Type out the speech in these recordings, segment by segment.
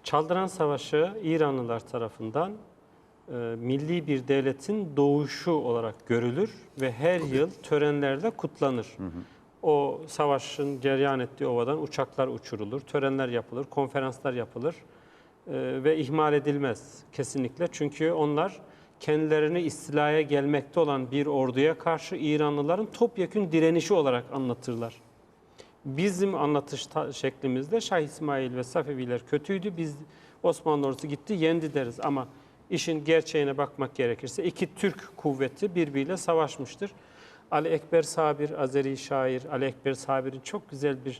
Çaldıran Savaşı İranlılar tarafından milli bir devletin doğuşu olarak görülür ve her yıl törenlerle kutlanır. O savaşın cereyan ettiği ovadan uçaklar uçurulur, törenler yapılır, konferanslar yapılır ve ihmal edilmez kesinlikle. Çünkü onlar kendilerini istilaya gelmekte olan bir orduya karşı İranlıların topyekün direnişi olarak anlatırlar. Bizim anlatış şeklimizde Şah İsmail ve Safeviler kötüydü. Biz Osmanlı ordusu gitti, yendi deriz. Ama işin gerçeğine bakmak gerekirse iki Türk kuvveti birbiriyle savaşmıştır. Ali Ekber Sabir, Azeri şair Ali Ekber Sabir'in çok güzel bir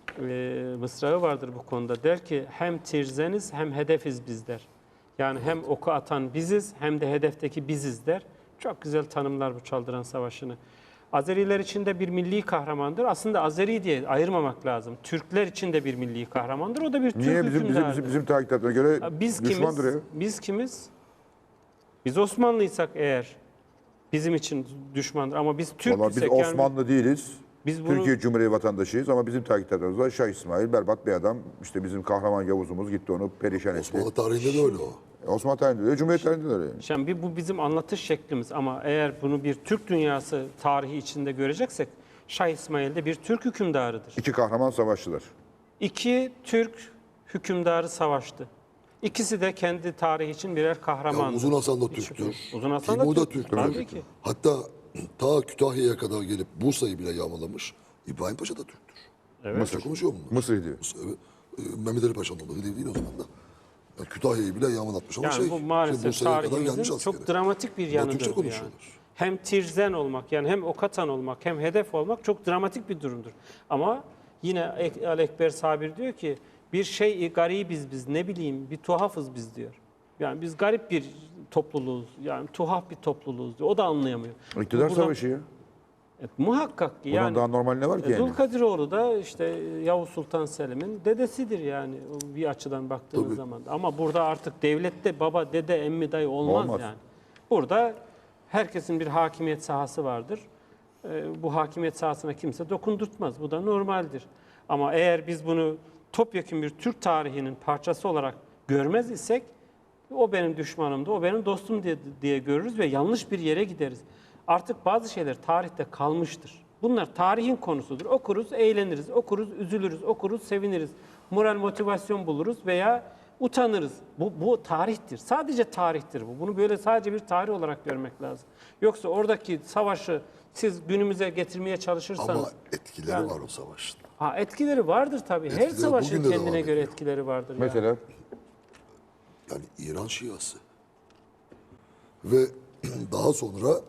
mısrağı vardır bu konuda. Der ki hem tirzeniz hem hedefiz biz der. Yani hem oku atan biziz hem de hedefteki biziz der. Çok güzel tanımlar bu Çaldıran Savaşı'nı. Azeriler için de bir milli kahramandır. Aslında Azeri diye ayırmamak lazım. Türkler için de bir milli kahramandır. O da bir Türk hükümdarıdır. Niye bizim takiplerine göre Biz düşmandır kimiz? ya? Biz kimiz? Biz Osmanlıysak eğer bizim için düşmandır. Ama biz Türk Vallahi biz isek Osmanlı değiliz. biz bunu Türkiye Cumhuriyeti vatandaşıyız ama bizim takiplerimiz var. Şah İsmail berbat bir adam. İşte bizim kahraman Yavuz'umuz gitti onu perişan etti. Osmanlı tarihinde de öyle o. Osmanlı tarihinde de öyle, Cumhuriyet tarihinde de öyle. Yani. şimdi bu bizim anlatış şeklimiz ama eğer bunu bir Türk dünyası tarihi içinde göreceksek Şah İsmail de bir Türk hükümdarıdır. İki kahraman savaşçılar. İki Türk hükümdarı savaştı. İkisi de kendi tarihi için birer kahramandı. Uzun Hasan da Türktür. Uzun Hasan da Timur da Türk. Türktür. Tabii ki. Hatta ta Kütahya'ya kadar gelip Bursa'yı bile yağmalamış. İbrahim Paşa da Türktür. Evet. Mısır konuşuyor mu? Mısır diyor. Evet. Mehmet Ali Paşa'nın oğlu değil o zaman da. Yani Kütahya'yı bile yağmalatmış ama Yani bu maalesef Bursa'ya kadar gelmiş tarihimizin askeri. çok dramatik bir Bunlar yanıdır Türkçe bu yani. konuşuyorlar. Hem tirzen olmak yani hem okatan olmak hem hedef olmak çok dramatik bir durumdur. Ama yine Ali Ekber Sabir diyor ki bir şey garibiz biz ne bileyim bir tuhafız biz diyor. Yani biz garip bir topluluğuz yani tuhaf bir topluluğuz diyor. O da anlayamıyor. İktidar Buradan- savaşı ya. Muhakkak ki Bundan yani. daha normal ne var ki yani? Zulkadiroğlu da işte Yavuz Sultan Selim'in dedesidir yani bir açıdan baktığınız Tabii. zaman. Ama burada artık devlette baba, dede, emmi, dayı olmaz, Olmaz. yani. Burada herkesin bir hakimiyet sahası vardır. Bu hakimiyet sahasına kimse dokundurtmaz. Bu da normaldir. Ama eğer biz bunu topyekun bir Türk tarihinin parçası olarak görmez isek o benim düşmanımdı, o benim dostum diye görürüz ve yanlış bir yere gideriz. Artık bazı şeyler tarihte kalmıştır. Bunlar tarihin konusudur. Okuruz, eğleniriz, okuruz, üzülürüz, okuruz, seviniriz. Moral motivasyon buluruz veya utanırız. Bu tarihtir. Sadece tarihtir bu. Bunu böyle sadece bir tarih olarak görmek lazım. Yoksa oradaki savaşı siz günümüze getirmeye çalışırsanız... Ama etkileri Yani- var o savaşın. Etkileri vardır tabii. Her Etkileri savaşın bugün de kendine devam göre ediyor. etkileri vardır. yani. Mesela Yani İran Şiası. Ve daha sonra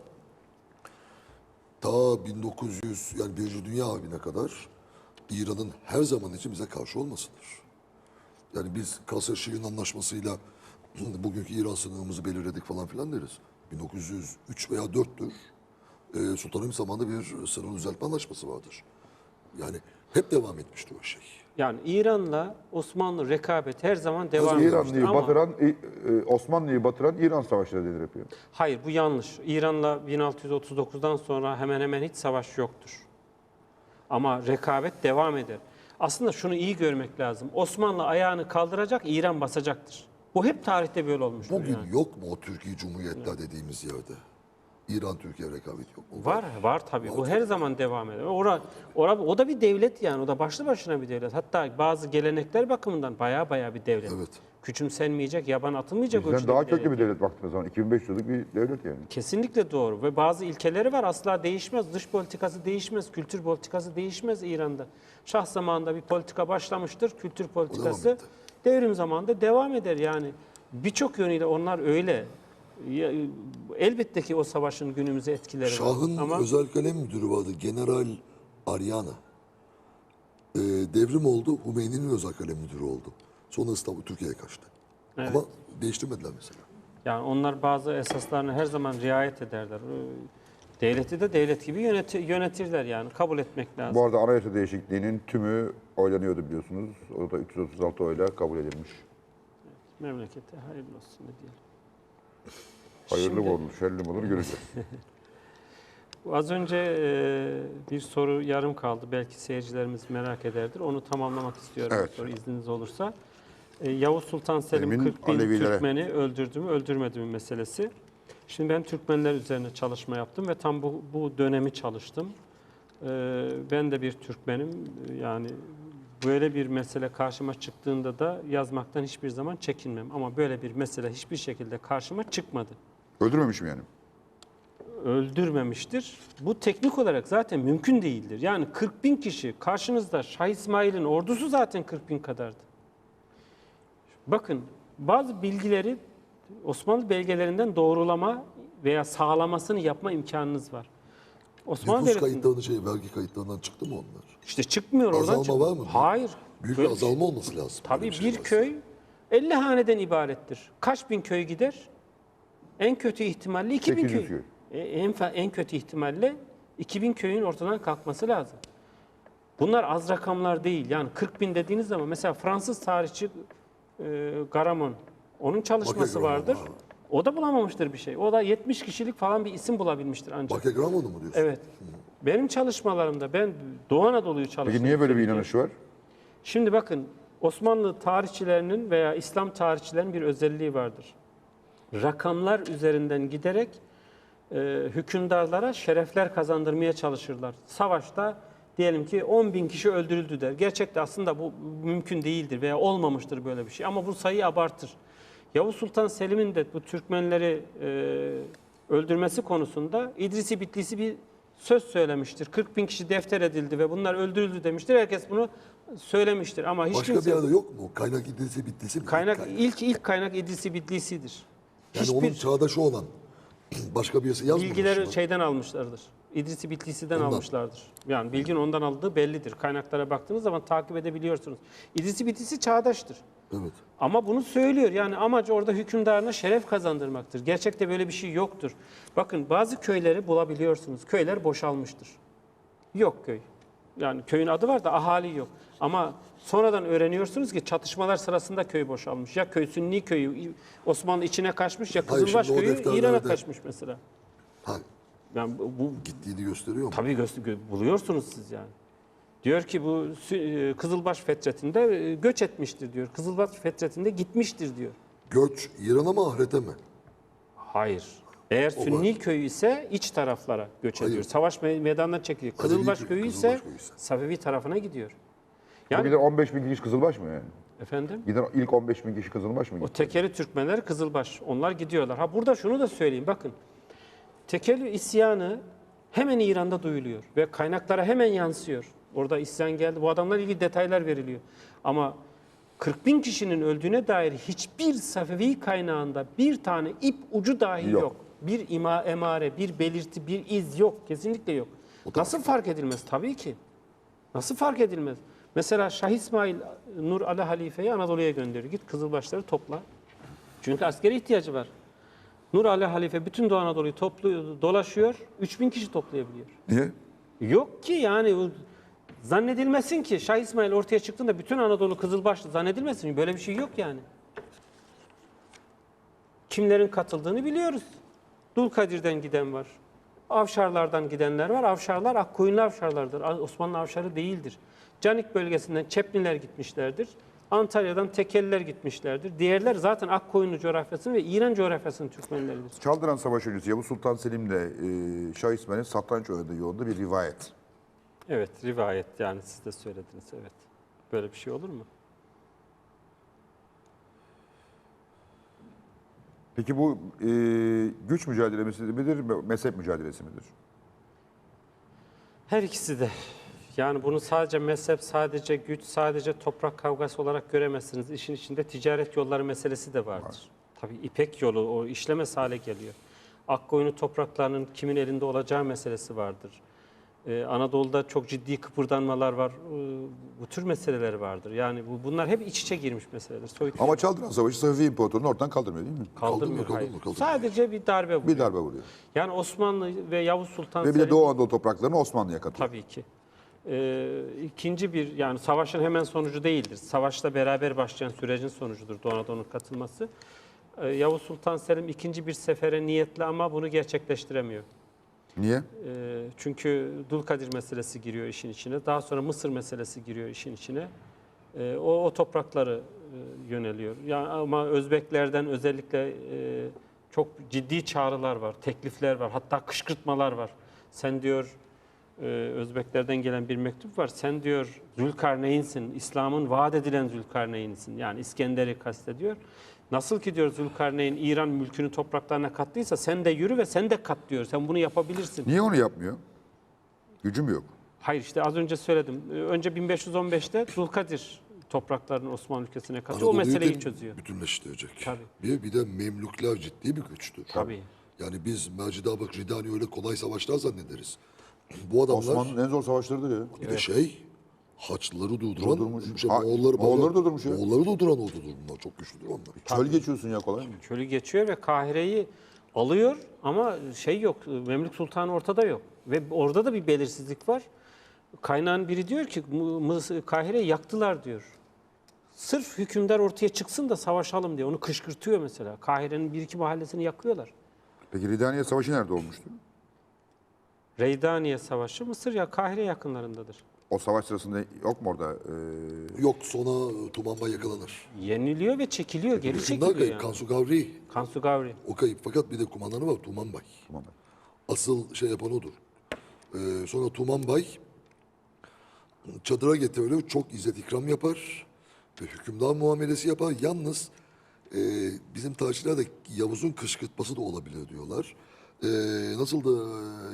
ta 1900 yani Birinci Dünya Harbi'ne kadar İran'ın her zaman için bize karşı olmasıdır. Yani biz Kasr-Şirin Anlaşması'yla bugünkü İran sınırımızı belirledik falan filan deriz. 1903 veya 4'tür. Sultanahmet zamanında bir sınır düzeltme anlaşması vardır. Yani hep devam etmiştir o şey. Yani İran'la Osmanlı rekabet her zaman devam etmiştir. İranlıyı Ama batıran, Osmanlı'yı batıran İran savaşları denir yapıyor. hayır bu yanlış. İran'la 1639'dan sonra hemen hemen hiç savaş yoktur. Ama rekabet devam eder. Aslında şunu iyi görmek lazım. Osmanlı ayağını kaldıracak, İran basacaktır. Bu hep tarihte böyle olmuştur. Bugün yani. yok mu o Türkiye Cumhuriyetler dediğimiz yerde? İran-Türkiye rekabet yok mu? Var tabii. Bu her zaman devam eder. O da bir devlet yani. O da başlı başına bir devlet. Hatta bazı gelenekler bakımından baya bir devlet. Evet. Küçümsenmeyecek, yaban atılmayacak Bizden ölçüde daha bir köklü devlet. bir devlet baktığımız zaman. 2500 yıllık bir devlet yani. Kesinlikle doğru ve bazı ilkeleri var asla değişmez. Dış politikası değişmez, kültür politikası değişmez İran'da. Şah zamanında bir politika başlamıştır, kültür politikası etti. devrim zamanında devam eder yani. Birçok yönüyle onlar öyle. Elbette ki o savaşın günümüze etkileri Şah'ın var. Ama özel kalem müdürü vardı. General Aryana. Devrim oldu. Hümeyni'nin özel kalem müdürü oldu. Sonra İstanbul Türkiye'ye kaçtı. Evet. Ama değiştirmediler mesela. yani onlar bazı esaslarına her zaman riayet ederler. Devleti de devlet gibi yönetirler yani. Kabul etmek lazım. Bu arada anayasa değişikliğinin tümü oylanıyordu biliyorsunuz. O da 336 oyla kabul edilmiş. Memlekete hayırlı olsun ne diyelim. Hayırlı Şimdi- mı olur, şerli mi olur göreceğiz. Az önce bir soru yarım kaldı. Belki seyircilerimiz merak ederdir. Onu tamamlamak istiyorum Evet. bu soru izniniz olursa. Yavuz Sultan Selim Selim'in 40 bin Alevilere. Türkmeni öldürdü mü öldürmedi mi meselesi. Şimdi ben Türkmenler üzerine çalışma yaptım ve tam bu dönemi çalıştım. Ben de bir Türkmenim. Yani böyle bir mesele karşıma çıktığında da yazmaktan hiçbir zaman çekinmem. Ama böyle bir mesele hiçbir şekilde karşıma çıkmadı. Öldürmemişim yani. Öldürmemiştir. Bu teknik olarak zaten mümkün değildir. Yani 40 bin kişi karşınızda, Şah İsmail'in ordusu zaten 40 bin kadardı. Bakın bazı bilgileri Osmanlı belgelerinden doğrulama veya sağlamasını yapma imkanınız var. Osmanlı Nüfus Devleti'nin kayıtlarının vergi kayıtlarından çıktı mı onlar? işte çıkmıyor oradan. Azalma var mı? Hayır. Büyük Böyle bir azalma olması lazım. Tabii Böyle bir şey varsa. köy 50 haneden ibarettir. Kaç bin köy gider? En kötü ihtimalle 2000 800 köy. köy. En kötü ihtimalle 2000 köyün ortadan kalkması lazım. Bunlar az rakamlar değil. Yani 40 bin dediğiniz zaman mesela Fransız tarihçi Garamond, onun çalışması Bakagramon, vardır. ha. O da bulamamıştır bir şey. O da 70 kişilik falan bir isim bulabilmiştir ancak. Bakagramonu mu diyorsun? Evet. Benim çalışmalarımda ben Doğu Anadolu'yu çalıştım. Peki niye böyle bir inanış var? Şimdi bakın Osmanlı tarihçilerinin veya İslam tarihçilerinin bir özelliği vardır. Rakamlar üzerinden giderek hükümdarlara şerefler kazandırmaya çalışırlar. Savaşta diyelim ki 10 bin kişi öldürüldü der. Gerçekte aslında bu mümkün değildir veya olmamıştır böyle bir şey. Ama bu sayıyı abartır. Yavuz Sultan Selim'in de bu Türkmenleri öldürmesi konusunda İdrisi Bitlisi bir söz söylemiştir. 40 bin kişi defter edildi ve bunlar öldürüldü demiştir. Herkes bunu söylemiştir ama hiç Başka kimse... bir yerde yok mu? Kaynak idrisi bittisi mi? İlk kaynak İdrisi Bitlisi'dir. Yani Hiçbir onun çağdaşı olan başka birisi yazmamış bilgileri mı? şeyden almışlardır. İdrisi Bitlisi'den Ondan. almışlardır. Yani bilginin ondan aldığı bellidir. Kaynaklara baktığınız zaman takip edebiliyorsunuz. İdrisi Bitlisi çağdaştır. Evet. Ama bunu söylüyor. Yani amacı orada hükümdarına şeref kazandırmaktır. Gerçekte böyle bir şey yoktur. Bakın bazı köyleri bulabiliyorsunuz. Köyler boşalmıştır. Yok köy. Yani köyün adı var da ahali yok. Ama sonradan öğreniyorsunuz ki çatışmalar sırasında köy boşalmış. Ya köy Sünni köyü Osmanlı içine kaçmış ya Hayır, Kızılbaş şimdi o köyü defterlerde- İran'a kaçmış mesela. Ha, Yani bu gittiğini gösteriyor mu? tabii buluyorsunuz siz yani. Diyor ki bu Kızılbaş fetretinde göç etmiştir diyor. Kızılbaş fetretinde gitmiştir diyor. Göç İran'a mı ahirete mi? Hayır. Eğer Sünni köyü ise iç taraflara göç Hayır. ediyor. Savaş meydanına çekiliyor. Alevi Kızılbaş köy- köyü Kızılbaş ise köyü ise. Safevi tarafına gidiyor. Bu Yani gider 15 bin kişi Kızılbaş mı yani? efendim Giden ilk 15 bin kişi Kızılbaş mı o gitti? tekeli Türkmenler Kızılbaş. Onlar gidiyorlar. Ha burada şunu da söyleyeyim bakın. Tekeli isyanı hemen İran'da duyuluyor ve kaynaklara hemen yansıyor. Orada isyan geldi. Bu adamlarla ilgili detaylar veriliyor. Ama 40 bin kişinin öldüğüne dair hiçbir Safevi kaynağında bir tane ip ucu dahi Yok. yok. Bir emare, bir belirti, bir iz yok. Kesinlikle yok. Nasıl fark edilmez? Tabii ki. Nasıl fark edilmez? Mesela Şah İsmail Nur Ali Halife'yi Anadolu'ya gönderiyor. Git Kızılbaşları topla. Çünkü askeri ihtiyacı var. Nur Ali Halife bütün Doğu Anadolu'yu dolaşıyor. 3000 kişi toplayabiliyor. Niye? Yok ki yani zannedilmesin ki Şah İsmail ortaya çıktığında bütün Anadolu Kızılbaşlı zannedilmesin. Böyle bir şey yok yani. Kimlerin katıldığını biliyoruz. Dulkadir'den giden var. Avşarlardan gidenler var. Avşarlar Akkoyunlu Avşarlardır. Osmanlı Avşarı değildir. Canik bölgesinden Çepliler gitmişlerdir. Antalya'dan Tekeliler gitmişlerdir. Diğerler zaten Akkoyunlu coğrafyasının ve İran coğrafyasının Türkmenleridir. Çaldıran Savaşı öncesi Yavuz Sultan Selim'le Şah İsmail'in satranç oynadığı yolunda bir rivayet. Evet, rivayet yani siz de söylediniz. Evet. Böyle bir şey olur mu? Peki bu güç mücadelesi midir, mezhep mücadelesi midir? Her ikisi de. Yani bunu sadece mezhep, sadece güç, sadece toprak kavgası olarak göremezsiniz. İşin içinde ticaret yolları meselesi de vardır. Tabii İpek yolu o işlemez hale geliyor. Akkoyunlu topraklarının kimin elinde olacağı meselesi vardır. Anadolu'da çok ciddi kıpırdanmalar var. Bu tür meseleler vardır. Yani bunlar hep iç içe girmiş meseleler. Soyut Ama Çaldıran Savaşı Safevi İmparatorluğunu ortadan kaldırmıyor değil mi? kaldırmıyor. Kaldırmıyor, Hayır. kaldırmıyor. Sadece bir darbe vuruyor. Bir darbe vuruyor. Yani Osmanlı ve Yavuz Sultan Ve bir de Selim Doğu Anadolu topraklarını Osmanlı'ya katıyor. tabii ki. İkinci bir yani savaşın hemen sonucu değildir. Savaşla beraber başlayan sürecin sonucudur Doğu Anadolu'nun katılması. Yavuz Sultan Selim ikinci bir sefere niyetli ama bunu gerçekleştiremiyor. Niye? Çünkü Dulkadir meselesi giriyor işin içine. Daha sonra Mısır meselesi giriyor işin içine. O toprakları yöneliyor. Yani ama Özbeklerden özellikle çok ciddi çağrılar var, teklifler var, hatta kışkırtmalar var. Sen diyor Özbeklerden gelen bir mektup var. Sen diyor Zülkarneyn'sin, İslam'ın vaat edilen Zülkarneyn'sin. Yani İskender'i kastediyor. Nasıl ki diyor Zülkarneyn İran mülkünü topraklarına kattıysa sen de yürü ve sen de kat diyor. Sen bunu yapabilirsin. Niye onu yapmıyor? Gücüm yok. Hayır işte az önce söyledim. Önce 1515'te Zulkadir topraklarını Osmanlı ülkesine katıyor. O Anadolu'yu meseleyi da çözüyor. bütünleştirecek. Tabii. Bir de Memlükler ciddi bir güçtür. Tabii. Yani biz Mercidabık, Ridani öyle kolay savaşlar zannederiz. Bu adamlar Osmanlı'nın en zor savaşlarıdır ya. bir de Haçlıları durduran, Durdurmuş. Moğolları durdurmuş ya. Moğolları durduran ordudur bunlar. Çok güçlüdür onlar. Çöl geçiyorsun ya, kolay mı? Çölü geçiyor ve Kahire'yi alıyor ama şey yok. Memlük Sultanı ortada yok. Ve orada da bir belirsizlik var. Kaynağın biri diyor ki Kahire'yi yaktılar diyor. Sırf hükümdar ortaya çıksın da savaşalım diye onu kışkırtıyor mesela. Kahire'nin bir iki mahallesini yakıyorlar. Peki Ridaniye Savaşı nerede olmuştu? Reydaniye Savaşı Mısır ya Kahire yakınlarındadır. O savaş sırasında yok mu orada? Yok, sonra Tumanba yakalanır. Yeniliyor ve çekiliyor, geri Şunlar çekiliyor kayıp, yani. Kansu Gavri Kansu Gavri. o kayıp. Fakat bir de kumandanı var, Tumanbay. Tamam. Asıl şey yapan odur. Sonra Tumanbay çadıra getirilir, çok izzet ikram yapar ve hükümdar muamelesi yapar. Yalnız bizim tarihçilerde Yavuz'un kışkırtması da olabilir diyorlar. Nasıl da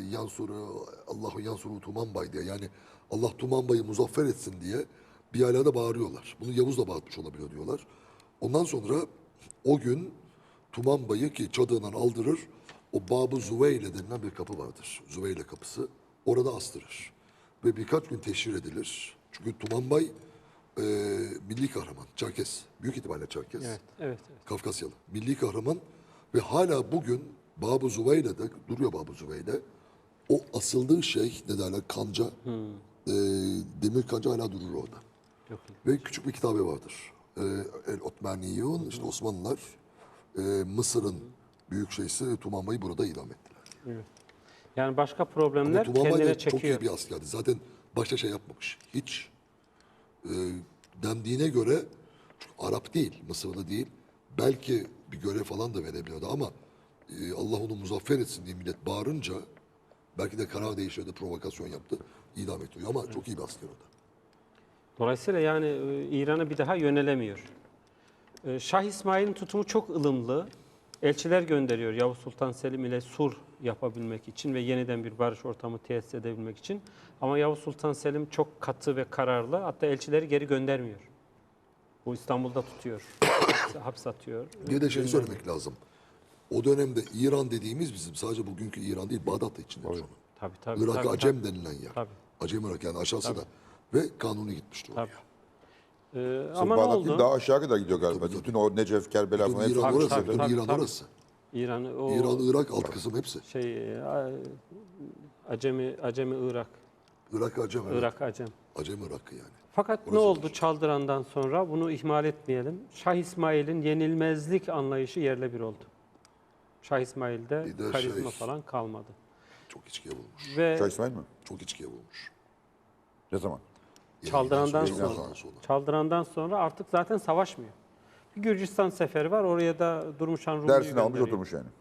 Allahu Yansuru Tumanbay diye, yani Allah Tumanbay'ı muzaffer etsin diye bir yerlerde bağırıyorlar. Bunu Yavuz da bağırmış olabilir diyorlar. Ondan sonra o gün Tumanbay'ı ki çadığından aldırır, o Bab-ı Züveyle denilen bir kapı vardır. Züveyle kapısı. Orada astırır. Ve birkaç gün teşhir edilir. Çünkü Tumanbay milli kahraman, Çerkes. Büyük ihtimalle Çerkes. Evet, evet, evet. Kafkasyalı. Milli kahraman ve hala bugün Bab-ı Züveyle'de duruyor Bab-ı Züveyle. O asıldığı şey ne derler, kanca, demir kanca hala durur orada. Yok. Ve küçük bir kitabı vardır. El Otmaniyun, işte Osmanlılar Mısır'ın büyük şeysi Tumanbay'ı burada idam ettiler. Evet. Yani başka Ama problemler Tumanbay kendine da çok çekiyor. iyi bir askerdi. Zaten başta şey yapmamış. Hiç dendiğine göre, çünkü Arap değil, Mısırlı değil. Belki bir görev falan da verebiliyordu ama Allah onu muzaffer etsin diye millet bağırınca belki de karar değiştirdi, provokasyon yaptı. İdam ettiriyor ama çok iyi bir asker o da. Dolayısıyla yani İran'a bir daha yönelemiyor. Şah İsmail'in tutumu çok ılımlı. Elçiler gönderiyor Yavuz Sultan Selim ile sulh yapabilmek için ve yeniden bir barış ortamı tesis edebilmek için. Ama Yavuz Sultan Selim çok katı ve kararlı. Hatta elçileri geri göndermiyor. Bu İstanbul'da tutuyor. Hapse atıyor. Bir de şey söylemek lazım. O dönemde İran dediğimiz bizim sadece bugünkü İran değil, Bağdat da içinde. Tabii tabii. Irak tabii, Acem denilen yer. Tabii. Acem Irak yani aşağısı da. Ve kanuni gitmişti oraya. Tabii. Sırf Ama ne Bağdat değil, oldu? daha aşağı kadar gidiyor galiba. Bütün o Necef, Kerbela Bütün falan hepsi. İran orası, tabii, bütün tabii, İran tabii. orası. İran, İran, Irak alt kısım hepsi. Acemi Irak. Irak Acem. Evet. Irak Acem. Acem Irak'ı yani. Fakat ne oldu Çaldıran'dan sonra? Bunu ihmal etmeyelim. Şah İsmail'in yenilmezlik anlayışı yerle bir oldu. Şah İsmail'de Bir de karizma falan kalmadı. Çok içkiye bulmuş. Ve Şah İsmail mi? Çok içkiye bulmuş. Ne zaman? Çaldıran'dan Yayından sonra, sonra. Çaldıran'dan sonra artık zaten savaşmıyor. Bir Gürcistan seferi var. Oraya da Durmuşan Rumlu'yu Dersini almış gönderiyor. oturmuş yani.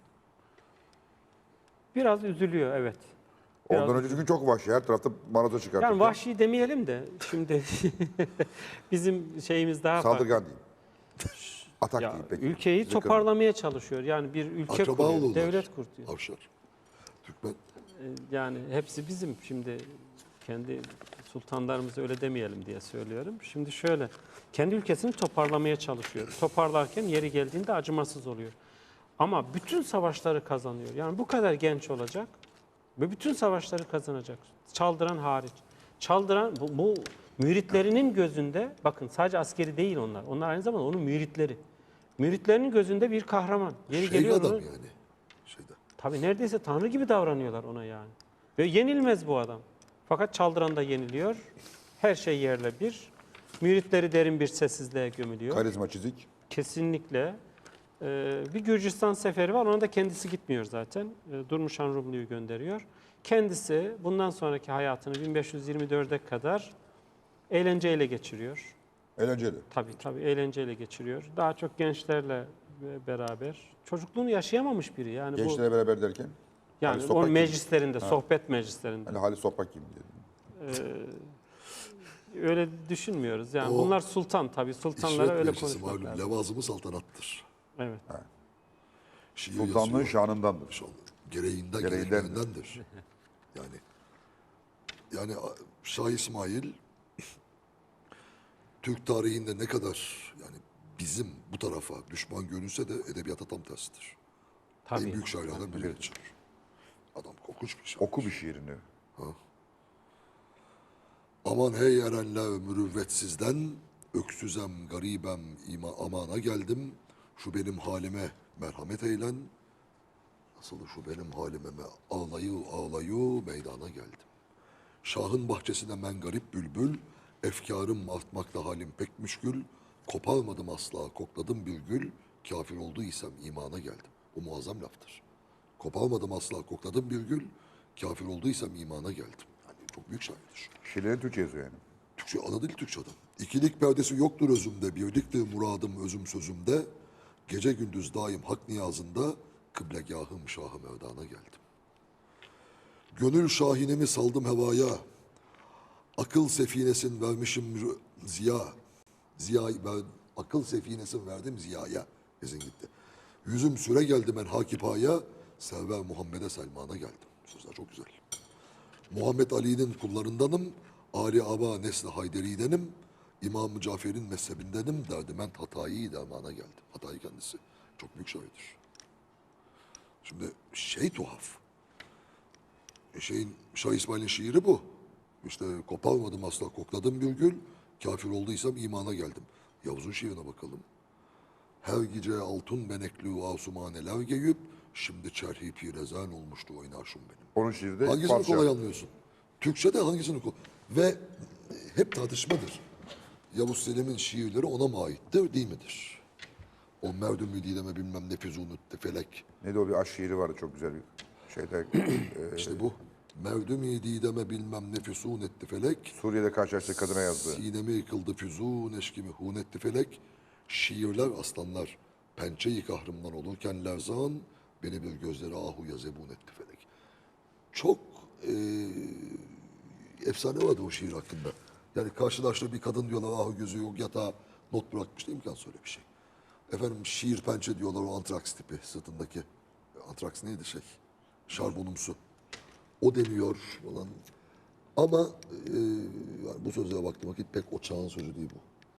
Biraz üzülüyor evet. Biraz Ondan önceki gün çok vahşi. Her tarafta manato çıkartıyor. Yani vahşi demeyelim de şimdi bizim şeyimiz daha farklı. Saldırgan değil. Atak Ya, değil peki. ülkeyi Sizi kırmıyor. toparlamaya çalışıyor. Yani bir ülke Akraba kuruyor, olurlar. devlet kuruyor. Avşar. Türkmen. Yani hepsi bizim. Şimdi kendi sultanlarımızı öyle demeyelim diye söylüyorum. Şimdi şöyle, kendi ülkesini toparlamaya çalışıyor. Toparlarken yeri geldiğinde acımasız oluyor. Ama bütün savaşları kazanıyor. Yani bu kadar genç olacak ve bütün savaşları kazanacak. Çaldıran hariç. Çaldıran bu müritlerinin gözünde, bakın sadece askeri değil onlar. Onlar aynı zamanda onun müritleri. Müritlerinin gözünde bir kahraman. Yeri Şey geliyor adam onun- yani. Şeyde. Tabii neredeyse tanrı gibi davranıyorlar ona yani. Ve yenilmez bu adam. Fakat Çaldıran'da yeniliyor. Her şey yerle bir. Müritleri derin bir sessizliğe gömülüyor. Karizma çizik. Kesinlikle. Bir Gürcistan seferi var. Ona da kendisi gitmiyor zaten. Durmuşan Rumlu'yu gönderiyor. Kendisi bundan sonraki hayatını 1524'e kadar eğlenceyle geçiriyor. Eğlenceli. Tabii eğlenceyle geçiriyor. Daha çok gençlerle beraber. Çocukluğunu yaşayamamış biri. Yani Gençlere beraber derken? yani Halis o Toprak gibi. meclislerinde, sohbet meclislerinde. Hani Halis Toprak gibi diyelim. Öyle düşünmüyoruz. Yani O bunlar sultan tabii. Sultanlara İsmet öyle Meclisi konuşmak malum lazım. levazımı saltanattır. Evet. Şiir Sultanlığın yazıyor. şanındandır. İnşallah. Gereğinden, Gereğindendir. gereklerindendir. Yani Şah İsmail Türk tarihinde ne kadar yani bizim bu tarafa düşman görünse de edebiyata tam tersidir. En Tabii. büyük şairlerden biri geçer. Adam korkunç bir şair. Oku bir şiirini. Aman hey erenler mürüvvetsizden, öksüzem garibem amana geldim. Şu benim halime merhamet eylen. Nasıl şu benim halime ağlayı meydana geldim. Şahın bahçesine men garip bülbül, efkarım artmakta halim pek müşkül. Koparmadım asla kokladım bir gül, kafir olduysam imana geldim. Bu muazzam laftır. Koparmadım asla kokladım bir gül, kafir olduysam imana geldim. Yani çok büyük şairdir. Şiirleri Türkçe yazıyor yani. Türkçe, ana dil Türkçe adam. İkilik perdesi yoktur özümde, birliktir muradım özüm sözümde. Gece gündüz daim hak niyazında, kıblegahım şahı merdana geldim. Gönül şahinemi saldım hevaya, akıl sefinesin vermişim ziya. Akıl sefinesin verdim ziyaya. Gezin gitti. Yüzüm süre geldi ben hakipaya, server Muhammed'e Selman'a geldim. Sözler çok güzel. Muhammed Ali'nin kullarındanım, Ali Aba Nesli Hayderi'denim, İmam-ı Cafer'in mezhebindenim, derdiment Hatayi dermana geldim. Hatayi kendisi çok büyük şairdir. Şimdi tuhaf. Şah İsmail'in şiiri bu. İşte koparmadım asla kokladım bir gül, kafir olduysam imana geldim. Yavuz'un şiirine bakalım. Her gece altın benekli asumaneler geyip, şimdi çerhi pirezan olmuştu oynaşım benim. Onun şiiri de Hangisini Farsça. kolay anlıyorsun? Türkçe'de hangisini kolay? Ve hep tartışmadır. Yavuz Selim'in şiirleri ona mı aittir, değil midir? O merdüm dileme bilmem ne füzunütte felek. Neydi o bir aşk şiiri vardı çok güzel bir şeyde. İşte bu. Merdüm dileme bilmem ne füsunetti felek. Suriye'de karşılaştığı kadına yazdı. Sinemi yıkıldı füzun eşkimi hunetti felek. Şiirler aslanlar pençeyi kahrımdan olurken lerzan beni bir gözleri ahuya zebun etti felek. Çok efsane vardı o şiir hakkında. Yani karşılaştığı bir kadın diyorlar ahu gözü yok yatağa not bırakmış değil imkansız öyle bir şey. Efendim şiir pençe diyorlar o antraks tipi sırtındaki. Antraks neydi şarbonumsu. O deniyor falan. Ama yani bu sözlere baktığım vakit pek o çağın sözü değil bu.